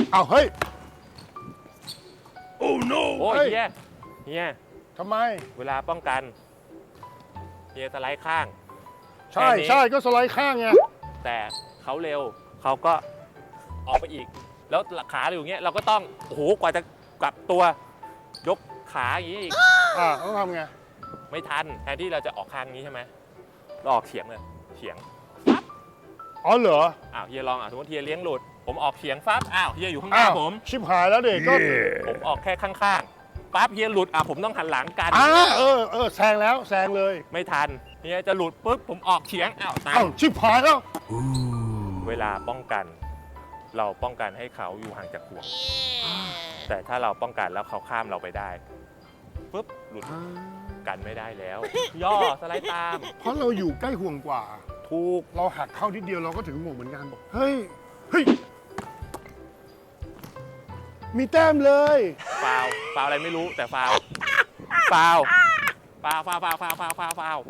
เอาเฮ้ยโอ้ยเฮ้ยเฮียทำไมเวลาป้องกันเฮียสไลด์ข้างใช่แค่นี้ใช่ก็สไลด์ข้างไงแต่เขาเร็วเขาก็ออกไปอีก แล้วขาอยู่อย่างเงี้ยเราก็ต้องโอ้โหกว่าจะกลับตัวยกขาอย่างนี้อีกต้องทำไงไม่ทันแทนที่เราจะออกข้างนี้ใช่ไหมเราออกเฉียงเลยเฉียงอ๋อเหรออ้าวเฮียลองสมมติเฮียเลี้ยงหลุดผมออกเฉียงปั๊บอ้าวเฮียอยู่ข้างหน้าผมชิบหายแล้วเด็กก็ผมออกแค่ข้างๆปั๊บเฮียหลุดผมต้องหันหลังกันแซงแล้วแซงเลยไม่ทันเฮียจะหลุดปุ๊บผมออกเฉียงอ้าวตายชิบหายแล้วเวลาป้องกัน เราป้องกันให้เขาอยู่ห่างจากห่วง แต่ถ้าเราป้องกันแล้วเขาข้ามเราไปได้ปุ๊บหลุดกันไม่ได้แล้ว ย่อสไลด์ตามเพราะเราอยู่ใกล้ห่วงกว่าถูกเราหักเข้าทีเดียวเราก็ถึงห่วงเหมือนกันเฮ้ยมีแต้มเลยฟาวอะไรไม่รู้แต่ฟาว